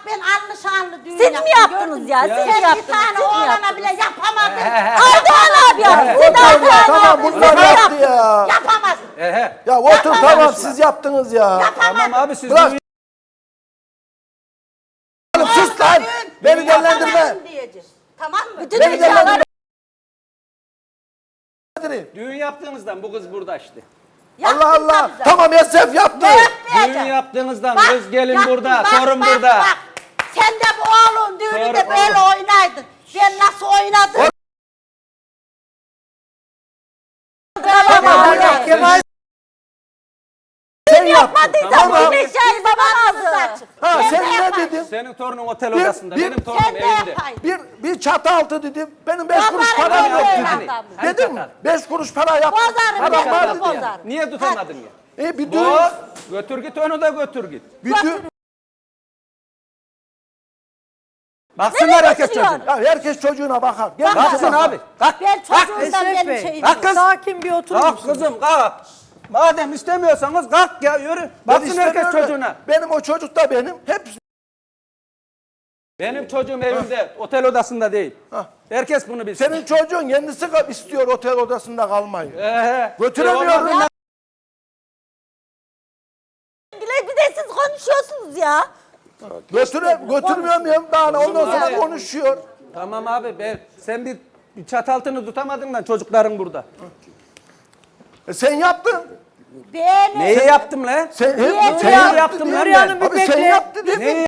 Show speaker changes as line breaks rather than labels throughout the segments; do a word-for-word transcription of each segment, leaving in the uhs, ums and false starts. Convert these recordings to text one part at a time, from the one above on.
ben anlı şanlı düğün
Siz mi
yaptım,
yaptınız
gördün
ya?
mü?
Siz
Sen
mi
bir
yaptınız?
tane
Siz mi
oğlana
yaptınız?
bile yapamadın.
Aydoğan abi yaptı. Seda
Otur ya,
Sayan
tamam
abi.
bunlar
Seda
yaptı
yaptı.
ya.
Yapamazsın.
Ehe.
Ya otur
Yapamaz.
tamam siz yaptınız ya.
Tamam abi siz
Bırak.
düğün-
Oğlum sus lan. Beni dellendirme.
Yapamadın diyeceğiz. Tamam mı?
Bütün
Beni
eşyalar
dellendirme.
düğün yaptığınızdan bu kız burada işte.
Yaptın
Allah Allah.
tabii zaten.
Tamam Esef yaptı.
Ne yapmayacağım?
Düğün yaptığınızdan
Bak,
kız gelin
yaptın,
burada,
bak,
torun
bak,
burada.
Bak. Sen de bu oğlun düğününde
Torun-
böyle oynaydın. Ben nasıl oynadım?
Kemal
Kemal. Sen yaptın.
yapmadıysa
Tamam.
bütün eşyayı babam aldı.
Ha
Ben
sen
de
ne
yapayım.
dedin?
Senin torunun otel
Bir-
odasında,
bir-
benim torunum
Sen de
evinde.
yapaydın.
Bir bir çatı altı dedim. Benim beş
Bozarım
kuruş param
ben
yok
böyle
dedim.
adamı.
Hani
Dedim mi?
çatal?
Beş kuruş para yaptım.
Bozarım
Param
ben
var
bunu
dedim.
bozarım.
Niye tutamadın ya?
E bir düğün.
Boz, götür git onu da götür git.
Bir düğün.
Baksınlar herkes
götürüyor?
çocuğuna.
Ya herkes çocuğuna bakar. Gel
Baksın abi. Kalk.
Ben çocuğumdan
Esef
benim
Bey,
şeyim
Kalk
yok.
kız.
sakin bir oturur
Kalk
musunuz?
kızım kalk. Madem istemiyorsanız kalk ya yürü.
Ben
Baksın herkes
istemiyorum.
çocuğuna.
Benim o çocuk da benim. Hepsi.
Benim çocuğum evinde, otel odasında değil.
Hah.
Herkes bunu bilsin.
Senin çocuğun kendisi kal- istiyor otel odasında kalmayı.
Ehe.
Götüremiyorum.
E, olmaz.
Bir de siz konuşuyorsunuz ya.
Götüre, götürmüyorum ya. Daha ne? Ondan sonra
abi.
konuşuyor.
Tamam abi ben, sen bir, bir çataltını tutamadın da çocukların burada.
E sen yaptın.
Beni.
Neyi yaptım lan?
Sen,
Niye
hep, sen
Neyi
yaptın
yaptım
diyorum
lan
ben.
ben?
bir
Abi sen
bekle.
yaptın dedim.
Neyi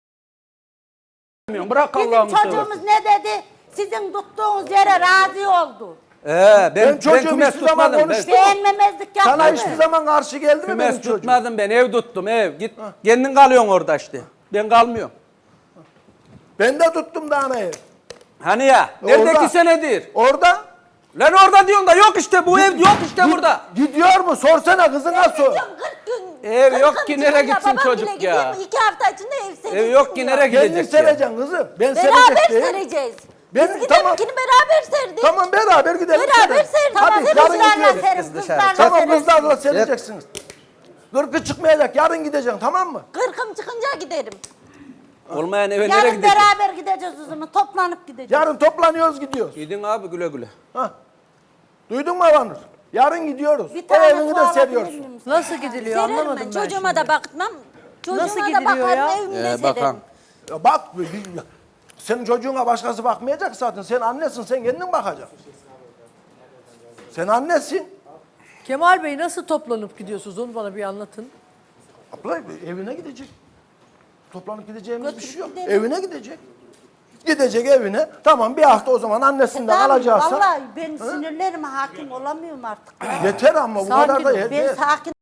Bırak
Bizim
Allah'ımı
çocuğumuz ne dedi? Sizin tuttuğunuz yere razı oldu.
Ee, ben,
Ben
ben,
çocuğum
kümes
hiçbir zaman
tutmadım. Ben,
konuştum.
Beğenmemezlik
Sana
yaptı
hiçbir
mı?
zaman karşı geldi mi benim
kümes
çocuğum?
tutmadım ben, ev tuttum ev. Git kendin kalıyorsun orada işte. Ben kalmıyorum.
Ben de tuttum daha ne?
Hani ya, nerede
Orada.
iki senedir?
Orada.
Lan orada diyorsun da yok işte, bu ev yok işte burada.
Gidiyor mu? Sorsana kızına sor.
kırk gün.
Ev
kırkın
yok ki,
çıkınca
nereye gitsin
babam
çocuk
bile
ya?
gidiyor, İki hafta içinde ev sereceksin
Ev yok ki,
diyor.
nereye
Kendin
gidecek ya?
sereceksin kızım. Ben
Beraber
serecek değil.
sereceğiz.
Ben-
Biz
tamam.
gidelim beraber serdik.
Tamam beraber gidelim.
Beraber
serelim.
serelim.
Hadi
Tamam,
yarın
Kızlarla
gidiyoruz.
serin,
Kız dışarı.
kızlarla
Tamam
serin.
kızlarla sereceksiniz. Gırgı çıkmayacak. Yarın gideceksin tamam mı?
Kırkım çıkınca giderim.
Olmayan eve nereye
Yarın
gidecek?
beraber gideceğiz o zaman. Toplanıp gideceğiz.
Yarın toplanıyoruz gidiyoruz.
Gidin abi güle güle.
Hah. Duydun mu Avanur? Yarın gidiyoruz.
Bir
O
tane
evini
su
de
alabilir
seriyorsun.
miyim?
Nasıl gidiliyor
Sererim
anlamadım
ben.
ben
Çocuğuma
şimdi.
da bakmam. Çocuğuma
Nasıl
da
gidiliyor
bakarım,
ya?
evimde
Ee,
sererim.
bakan.
Ya bak bir- bir- senin çocuğuna başkası bakmayacak zaten. Sen annesin sen kendin bakacaksın. Sen annesin.
Kemal Bey nasıl toplanıp gidiyorsunuz onu bana bir anlatın.
Abla evine gidecek. Toplanıp gideceğimiz bir
Götürüp
şey yok.
gidelim.
Evine gidecek. Gidecek evine. Tamam bir hafta o zaman annesinden
Tamam,
alacaksa.
Vallahi ben sinirlerime hakim olamıyorum artık. ya.
Yeter ama bu
Sakin
kadar da
ol.
Ben
yeter.
sakin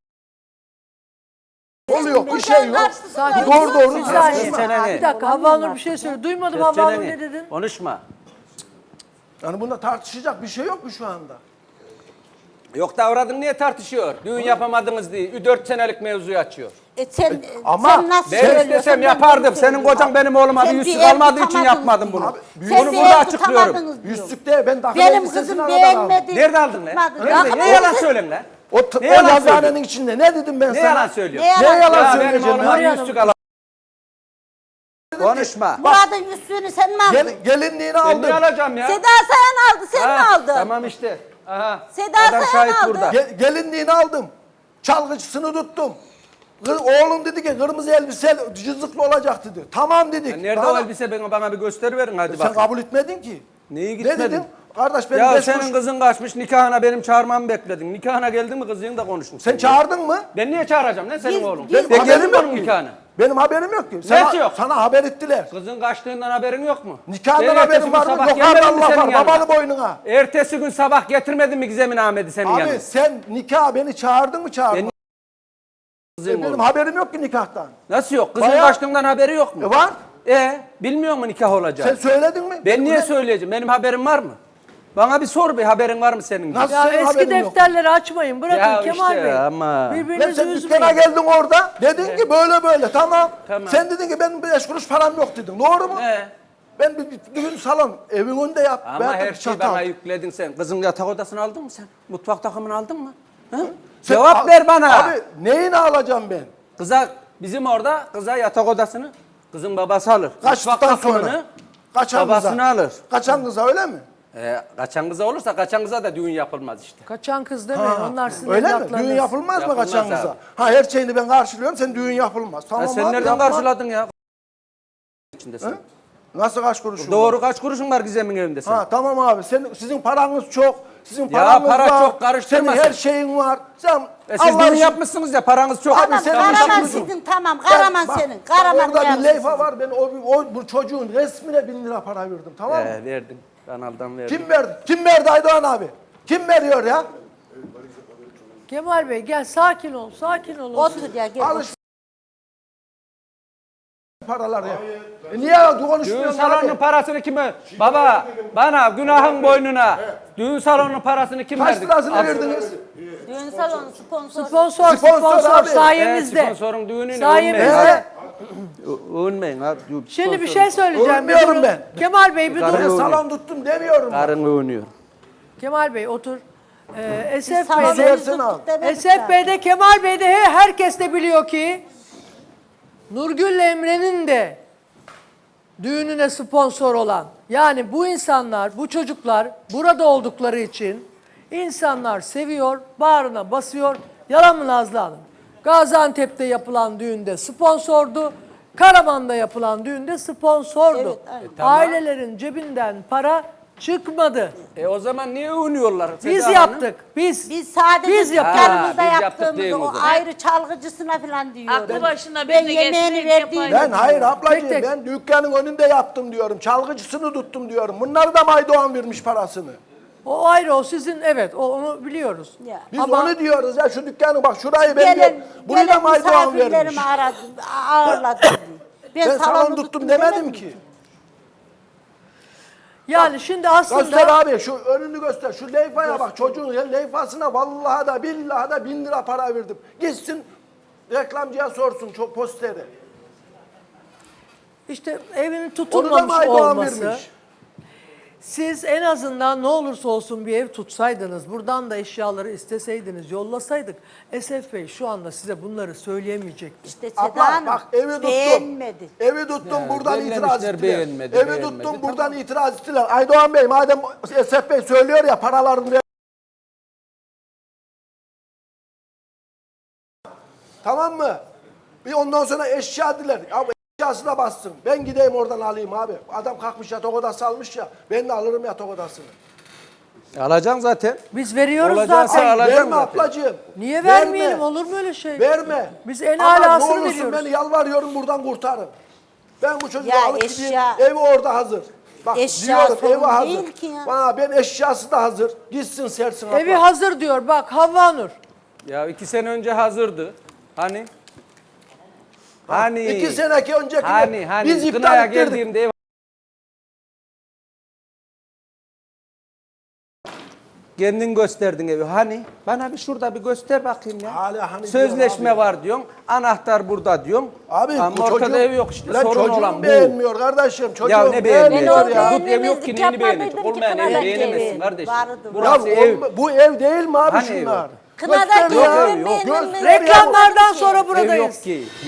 Oluyor bir şey yok.
Sakin
Doğru doğru.
Bir
diyorsun.
saniye.
Geçene
Bir dakika Havva Hanım bir şey söyledi. Duymadım Havva Hanım ne dedin?
Konuşma.
Yani bunda tartışacak bir şey yok mu şu anda?
Yok davradın niye tartışıyor? Düğün yapamadınız diye. Dört senelik mevzuyu açıyor.
E sen,
Ama
sen nasıl
Ben
söylüyorsun,
istesem
ben
yapardım.
bunu
Senin
söylüyorum.
kocan benim oğluma
Sen
bir yüzsük
ev
almadığı için
tutamadınız
yapmadım
diyor.
bunu.
Abi,
Sen
Bunu
bir
burada
ev
açıklıyorum.
tutamadınız diyor.
Yüzlükte ben takım
Benim
elbisesine
kızım
kadar
beğenmedi.
aldım.
Nerede aldın lan?
Tutmadı.
Nerede?
Bakın
Ne yalan söylüyorsun lan?
O, t-
Ne
o
yalan
yazıhanenin
söylüyorsun?
içinde ne dedim ben
Ne
sana?
yalan
Ne
söylüyorsun?
yalan?
Ne yalan
Ya benim
söyleyeceğim
oğluma
ya?
yüzsük al. Konuşma.
Murat'ın yüzüğünü sen mi aldın?
Gel, gelinliğini
Ben
aldım.
niye alacağım ya?
Seda Sayan aldı, sen mi
Ha,
aldın?
Tamam işte. Aha.
Seda
Adam
Sayan
şahit
aldı.
burada.
Ge- gelinliğini aldım. Çalgıcısını tuttum. Kı- Oğlum dedi ki kırmızı elbise cızıklı olacak dedi. Tamam dedik.
Ya nerede
Bana-
o elbise bana, bana bir gösteriverin hadi
Sen
bak.
kabul etmedin ki.
Neyi
Ne
gitmedin?
dedim? Kardeş benim
Ya
beş
senin
kuruş-
kızın kaçmış nikahına benim çağırmamı bekledin. Nikahına geldi mi kızın da konuştun.
Sen çağırdın mı?
Ben niye çağıracağım lan senin
Biz-
oğlum?
biz-
Ben
Benim
geldim
haberim yok
onun
ki.
nikahına.
Benim haberim yok ki. Sana,
Nesi yok?
sana haber ettiler.
Kızın kaçtığından haberin yok mu?
Nikahdan
Ben ertesi
haberim
gün
var mı?
sabah
Yukarıdan
gelmedim mi
laf
senin
var.
yanına?
Babanı boynuna.
Ertesi gün sabah getirmedin mi Gizem'in Ahmet'i senin
Abi
yanına?
sen nikah beni çağırdın mı çağırdın?
Ben- Kızın
E, benim
oğlum.
haberim yok ki nikahtan.
Nasıl yok? Kızın
Bayağı-
kaçtığından haberi yok mu?
E var.
E bilmiyor mu nikah olacak?
Sen söyledin mi?
Ben niye
Ulan,
söyleyeceğim? Benim haberim var mı? Bana bir sor bir haberin var mı senin?
Nasıl
Ya
senin
eski
haberin yok?
defterleri açmayın. Bırakın
Ya
Kemal
işte
Bey.
ama.
Lan
Birbirinizi
sen
üzmeyin.
dükkana geldin orada. Dedin ki böyle böyle tamam.
Tamam.
Sen dedin ki benim beş kuruş param yok dedin. Doğru mu?
He.
Ben bir, bir düğün salon evin önünde yap.
Ama
verdim,
her şeyi
çatal.
bana yükledin sen. Kızın yatak odasını aldın mı sen? Mutfak takımını aldın mı? Ha?
Sen-
Cevap
a-
ver bana.
Abi neyini alacağım ben?
Kıza bizim orada kıza yatak odasını Kızın babası alır.
Kaçtıktan
Mutfak
sonra.
takımını
Kaçan
babasını
kıza.
alır.
Kaçan kıza öyle mi?
Ee, kaçan kıza olursa kaçan kıza da düğün yapılmaz işte.
Kaçan kız demeyin.
Ha,
Onlar sizin
öyle mi?
evlatlarınız.
Düğün yapılmaz mı
Yapılmaz
kaçan
abi.
kıza? Ha her şeyini ben karşılıyorum, sen düğün yapılmaz. Tamam
Ya sen
abi,
nereden
yapma.
karşıladın ya? İçindesin.
He? Nasıl kaç kuruşun
Doğru
var?
kaç kuruşun var Gizem'in evinde senin?
Ha tamam abi. Sen, sizin paranız çok. Sizin
Ya
paranız
para
var.
çok, karıştırma
Senin her
sen.
şeyin var. Sen
E siz
Allah
düğün
için-
yapmışsınız ya paranız çok.
Abi sen
Karaman
anlaşılmıyorsun.
sizin tamam.
Ben-
Karaman
bak,
senin.
bak
Karaman
orada bir
yarısı
leyfa
sizin.
var. Ben o, o bu çocuğun resmine bin lira para verdim. Tamam mı?
Ee, verdin. Kanaldan verdin.
Kim verdi? Kim verdi Aydoğan abi? Kim veriyor ya?
Kemal Bey gel sakin ol. Sakin olun.
Otur ya gel.
Alış paralar ya. E niye
Düğün
konuşmuyorsun
salonunun
abi?
parasını kime? Baba bana günahın boynuna. Düğün salonunun parasını kim
Kaç
verdi?
lirasını
Al-
verdiniz?
Düğün salonu sponsor.
Sponsor,
Sponsor
sponsor,
abi.
sayemizde.
Evet, sponsorun düğününü
Sayemizde.
övünmeyin abi.
Şimdi bir şey söyleyeceğim. Bir
Övünmüyorum
durun.
ben.
Kemal Bey bir
Karı
Ben
durun.
övünüyor.
salon tuttum demiyorum. ben.
Karın övünüyor.
Kemal Bey otur. Ee, Esef
Salonu
Bey'de,
versene abi.
tuttuk demedik
Esef
ya.
Bey'de, Kemal Bey'de he, herkes de biliyor ki Nurgül Emre'nin de düğününe sponsor olan, yani bu insanlar, bu çocuklar burada oldukları için insanlar seviyor, bağrına basıyor. Yalan mı Nazlı Hanım? Gaziantep'te yapılan düğünde sponsordu. Karaman'da yapılan düğünde sponsordu.
Evet, evet.
Ailelerin cebinden para çıkmadı.
E o zaman niye övünüyorlar?
Biz
Seda
yaptık. Biz.
Biz sadece
Biz yaptık.
dükkanımızda
Ha, biz yaptık
yaptığımız
değil
o
o zaman.
ayrı çalgıcısına falan diyorum.
Aklı başına
Ben
birini
yemeğini
getirip
verdiğim
yapayım.
Ben hayır ablacığım,
Tek tek.
ben dükkanın önünde yaptım diyorum. Çalgıcısını tuttum diyorum. Bunlar da Aydoğan vermiş parasını.
O ayrı, o sizin, evet, o, onu biliyoruz.
Ya.
Biz
Ama
onu diyoruz ya, şu dükkanı bak şurayı ben
Gelen,
diyorum. Bunu da
gelen
Aydoğan vermiş.
misafirlerimi aradım, ağırladım. Ben,
Ben salon
salonu
tuttum demedim ki.
yani şimdi aslında
Göster abi, şu önünü göster. Şu leyfaya bak, çocuğun ya leyfasına vallahi da billahi da bin lira para verdim. Gitsin reklamcıya sorsun çok posteri.
işte evinin
Onu da
tutulmamış
Aydoğan
olması.
vermiş.
Siz en azından ne olursa olsun bir ev tutsaydınız, buradan da eşyaları isteseydiniz, yollasaydık. Esef Bey şu anda size bunları söyleyemeyecekti.
İşte Seda
Abla
Hanım
bak evi tuttum.
beğenmedi.
Evi tuttum buradan
bellemişler,
itiraz ettiler.
beğenmedi,
Evi
beğenmedi.
tuttum buradan itiraz ettiler. Aydoğan Bey madem Esef Bey söylüyor ya paralarını ver. Tamam mı? Bir ondan sonra eşya diler. Abi eşyasına bassın. Ben gideyim oradan alayım abi. Adam kalkmış yatak odası almış ya. Ben de alırım yatak odasını.
Alacaksın zaten.
Biz veriyoruz
Olacaksa
zaten.
al- Alacağım
Verme
zaten.
ablacığım.
Niye
Verme.
vermeyelim? Olur mu öyle şey?
Verme.
Biz en
Ama
alasını
ne olursun
veriyoruz.
beni yalvarıyorum buradan kurtarın. Ben bu çocuğu
Ya
alıp
eşya-
gideyim. Evi orada hazır. Bak
Eşya
diyorum
sorun
evi hazır.
değil ki ya.
Bana ben eşyası da hazır. Gitsin sersin abla.
Evi hazır diyor bak Havva Nur.
Ya iki sene önce hazırdı. Hani? Hani?
İki seneki önceki
Hani hani?
biz
Kınaya
iptal ettirdik.
geldiğimde ev... Kendin gösterdin evi. Hani? Bana bir şurada bir göster bakayım ya.
Hala hani
Sözleşme
diyor abi.
var diyorsun. Anahtar burada diyorsun.
Abi
Ama
bu
ortada
çocuğun,
ev yok işte.
Lan
Sorun
çocuğun
olan bu.
beğenmiyor kardeşim. Çocuğum
Ya ne
beğenmiyor
beğenmiyor
ya.
ya? Tut ev yok ki neyini beğenecek?
Yapmadıydım ki
Olmayan evi
kınada
beğenemezsin
evi.
kardeşim.
Vardı,
Ya
Burası ev.
olma- bu ev değil mi abi
Hani ev
şunlar?
yok?
Kınada
Göster ya.
gelin
Yok,
benim
göster
benim-
ya.
Reklamlardan sonra
Ev
buradayız.
yok ki.